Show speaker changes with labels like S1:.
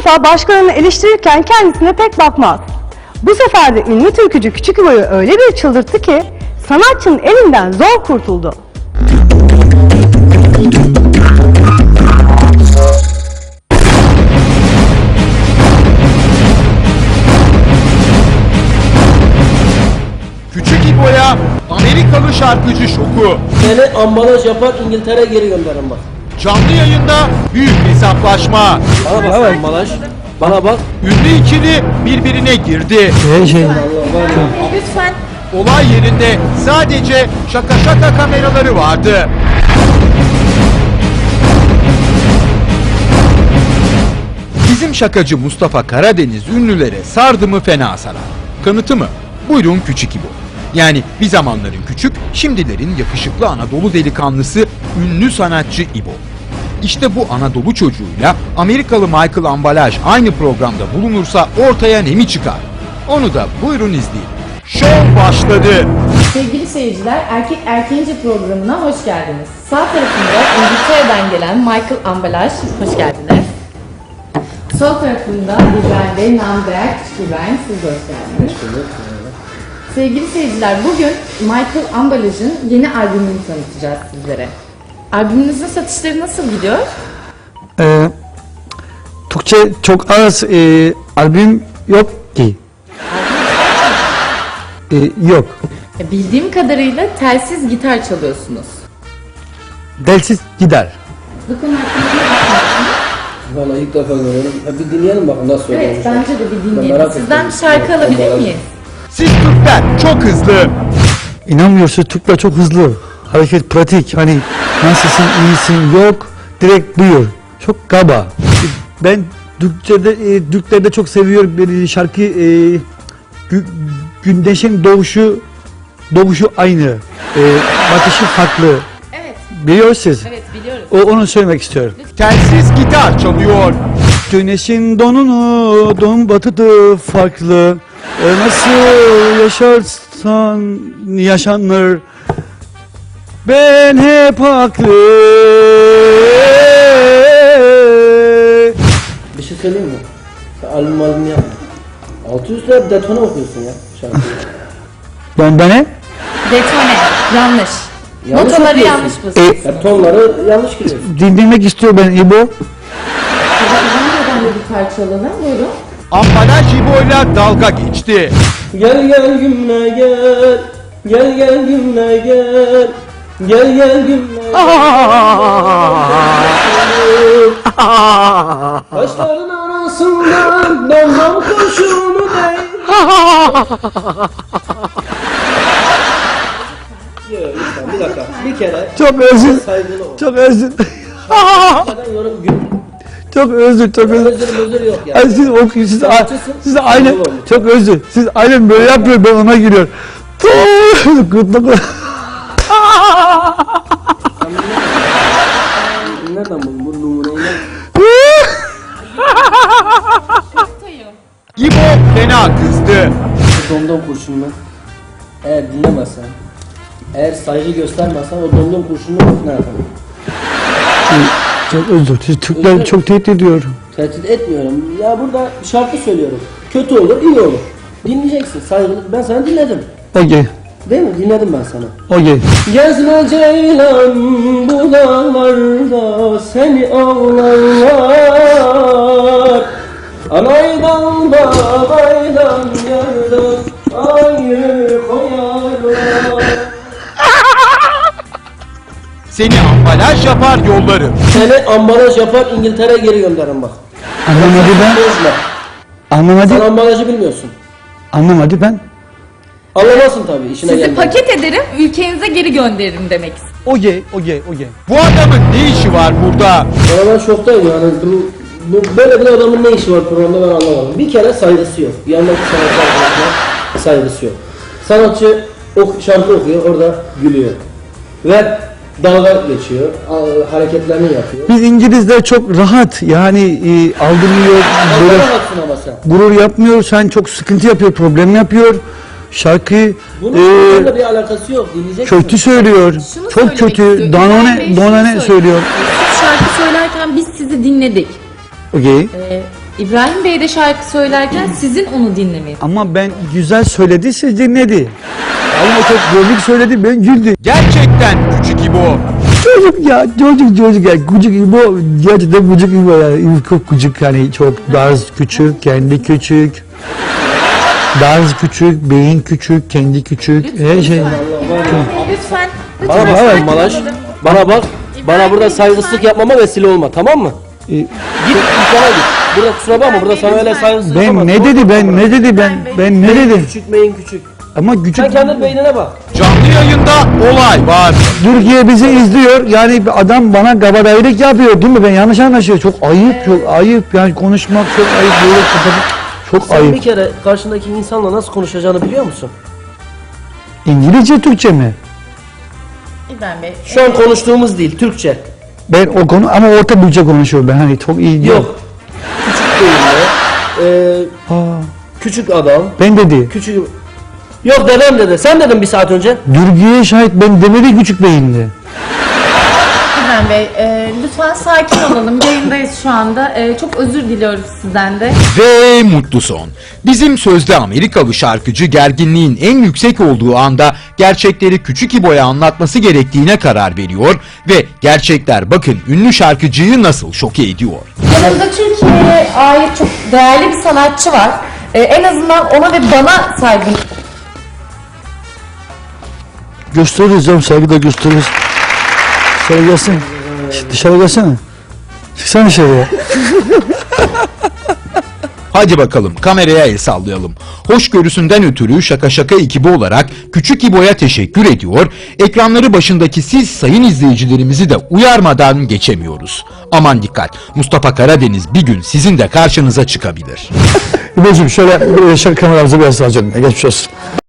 S1: Mustafa başkalarını eleştirirken kendisine pek bakmaz. Bu sefer de ünlü türkücü Küçük İbo'yu öyle bir çıldırttı ki sanatçının elinden zor kurtuldu.
S2: Küçük İbo'ya Amerikalı şarkıcı şoku.
S3: Seni ambalaj yapar İngiltere geri gönderin bak.
S2: Canlı yayında büyük hesaplaşma.
S3: Bana bak ambalaj. Bana bak.
S2: Ünlü ikili birbirine girdi.
S4: Lütfen.
S2: Olay yerinde sadece şaka kameraları vardı. Bizim şakacı Mustafa Karadeniz ünlülere sardı mı fena sarar. Kanıtı mı? Buyurun Küçük İbo. Yani bir zamanların küçük, şimdilerin yakışıklı Anadolu delikanlısı ünlü sanatçı İbo. İşte bu Anadolu çocuğuyla Amerikalı Michael Ambalaj aynı programda bulunursa ortaya ne mi çıkar? Onu da buyurun izleyin. Şov başladı.
S4: Sevgili seyirciler, Erkek Erkeğince programına hoş geldiniz. Sağ tarafımda İngiltere'den gelen Michael Ambalaj, hoş geldiniz. Sol tarafımda İbrahim Bey, Namber, Küçük İbrahim, siz de hoş geldiniz. Sevgili seyirciler, bugün Michael Ambalaj'ın yeni albümünü tanıtacağız sizlere. Albümünüzün satışları nasıl gidiyor?
S5: Türkçe çok az albüm yok ki. Yok.
S4: Bildiğim kadarıyla telsiz gitar çalıyorsunuz.
S5: Delsiz gider.
S4: Bu konu hakkında ne düşünüyorsunuz?
S3: Vallahi ilk defa görüyorum. Bir dinleyelim bakalım nasıl
S4: Evet,
S3: oluyormuş.
S4: bence de bir
S3: Ben
S4: dinleyelim.
S3: merak
S4: Sizden
S3: ettim.
S4: bir şarkı alabilir
S3: Ambalaj.
S4: miyiz?
S2: Siz Türkler çok hızlı.
S5: İnanmıyorsun, Türkler çok hızlı. Hareket pratik. Hani nasılsın, iyisin, yok. Direkt buyur. Çok kaba. Ben Türklerde çok seviyorum bir şarkı. Güneşin doğuşu aynı. Batışı farklı.
S4: Evet,
S5: Biliyorsunuz.
S4: evet biliyoruz.
S5: Onu söylemek istiyorum.
S2: Telsiz gitar çalıyor.
S5: Güneşin donunu batıdı farklı. Nasıl yaşarsan yaşanır. Ben hep haklı.
S3: Bir şey söyleyeyim mi? Sen albüm yapma. 600 lira detone okuyorsun ya şarkıyı.
S5: Ben ne?
S4: Detone, yanlış.
S3: Yanlış
S4: Notaları
S3: okuyorsun.
S4: yanlış basıyorsun.
S3: Ya tonları yanlış giriyorsun.
S5: Dinlemek istiyor ben İbo.
S4: Neden de gitar çalalım? Buyurun.
S2: Ambalaj İbo'yla dalga geçti.
S3: Gel gel gümle gel. Gel gel gümle gel. Gel gel gümle gel. Taşların arasından damlam kurşunu değil. Yok lütfen bir dakika. Bir kere
S5: Çok özür.
S3: saygılı ol.
S5: Çok özür.
S3: Neden yorum gül?
S5: Çok özür.
S3: Özür yok ya.
S5: Ay, siz okuyun.
S3: Sanatçısın,
S5: Siz aynen.
S3: saygılı olun.
S5: Çok özür. Siz aynen böyle yapıyor. Ben ona giriyor.
S3: Nereden bu numuneyi?
S2: İbo fena kızdı.
S3: Domdom kurşununu eğer dinlemezsen, eğer saygı göstermezsen o domdom kurşununu ne yapalım?
S5: Çok özür. Siz Türkler çok tehdit ediyor.
S3: Tehdit etmiyorum. Ya burada şarkı söylüyorum. Kötü olur, iyi olur. Dinleyeceksin saygılı. Ben sana dinledim.
S5: Okey.
S3: Değil mi? Dinledim ben sana.
S5: Okey.
S3: Gezme ceylan bu dağlarda seni avlarlar. Anaydan babaydan yardan ayrı koyarlar.
S2: Seni ambalaj yapar yollarım.
S3: Seni ambalaj yapar İngiltere geri gönderin bak.
S5: Anlamadı ben.
S3: Bozma. Sen
S5: Anlamadı.
S3: ambalajı bilmiyorsun.
S5: Anlamadı ben.
S3: Anlamazsın tabii işine
S4: Sizi
S3: gelmez.
S4: paket ederim, ülkenize geri gönderirim demek istiyorum.
S5: Okey.
S2: Bu adamın ne işi var burada?
S3: Valla ben şoktayım yani. Bu böyle bir adamın ne işi var programda ben anlamadım. Bir kere saygısı yok. Yanındaki sanatçı arkadaşına saygısı yok. Sanatçı şarkı okuyor, orada gülüyor. Ve dalga geçiyor, hareketlerini yapıyor.
S5: Biz İngilizler çok rahat yani aldırmıyor,
S3: Dalga
S5: böyle
S3: rahatsın ama sen.
S5: gurur yapmıyor, sen çok sıkıntı yapıyor, problem yapıyor. Şarkı
S3: Bunun bununla bir alakası yok, dinleyeceksin.
S5: kötü söylüyor,
S4: Şunu
S5: çok
S4: söylemek
S5: kötü,
S4: istiyorum. İbrahim Bey, şunu
S5: Donane söylüyor.
S4: Siz şarkı söylerken biz sizi dinledik.
S5: Okey.
S4: İbrahim Bey de şarkı söylerken sizin onu dinlemeyi.
S5: Ama ben güzel söyledi, siz dinledi. Ama çok komik söyledi, ben güldüm.
S2: Gerçekten küçük İbo.
S5: Çocuk ya, çocuk ya. Küçük İbo, gerçekten küçük İbo ya. Çok küçük, yani çok daha küçük, kendi küçük. Daha küçük, beyin küçük, kendi küçük, her şey.
S4: Lütfen.
S3: Bana bak
S5: Evet.
S3: Ambalaş. Bana bak. Bana burada saygısızlık yapmama vesile olma, tamam mı? Git dükkana git. Burada kusura bakma, burada sana öyle saygısızlık
S5: Ben
S3: yapamam.
S5: ne dedi, ben ne dedi, ben ne dedim?
S3: Küçük beyin küçük.
S5: Ama küçük.
S3: Sen kendi beynine bak.
S2: Canlı yayında olay var.
S5: Türkiye bizi izliyor, yani adam bana kabadayılık yapıyor değil mi? Ben yanlış anlaşıyorum. Çok ayıp, çok ayıp. Yani konuşmak çok ayıp, böyle kapatıp çok
S3: Sen
S5: ayıp.
S3: bir kere karşındaki insanla nasıl konuşacağını biliyor musun?
S5: İngilizce, Türkçe mi?
S4: İbrahim Bey.
S3: Şu an konuştuğumuz değil, Türkçe.
S5: Ben o konu ama orta bütçe konuşuyorum ben, hani çok iyi değil.
S3: Yok. Küçük beyinle,
S5: Aa,
S3: küçük adam,
S5: ben dedi.
S3: küçük... Yok dedem dedi. Sen dedin bir saat önce.
S5: Dürgüye şahit, ben demedi küçük beyinli.
S4: İbrahim Bey, lütfen sakin olalım. Yayındayız şu anda. Çok özür diliyoruz sizden de.
S2: Ve mutlu son. Bizim sözde Amerikalı şarkıcı gerginliğin en yüksek olduğu anda gerçekleri küçük İbo'ya anlatması gerektiğine karar veriyor ve gerçekler bakın ünlü şarkıcıyı nasıl şoke ediyor.
S4: Yanımda Türkiye'ye ait çok değerli bir sanatçı var. En azından ona ve bana saygın.
S5: Gösteririz canım, saygı da gösteririz. Dışarı gelsin. Dışarı gelsene. Çıksana dışarıya.
S2: Hadi bakalım kameraya el sallayalım. Hoşgörüsünden ötürü Şaka Şaka ekibi olarak Küçük İbo'ya teşekkür ediyor. Ekranları başındaki siz sayın izleyicilerimizi de uyarmadan geçemiyoruz. Aman dikkat, Mustafa Karadeniz bir gün sizin de karşınıza çıkabilir.
S5: İbo'cum şöyle kameralarımızı biraz alacağım. Geçmiş olsun.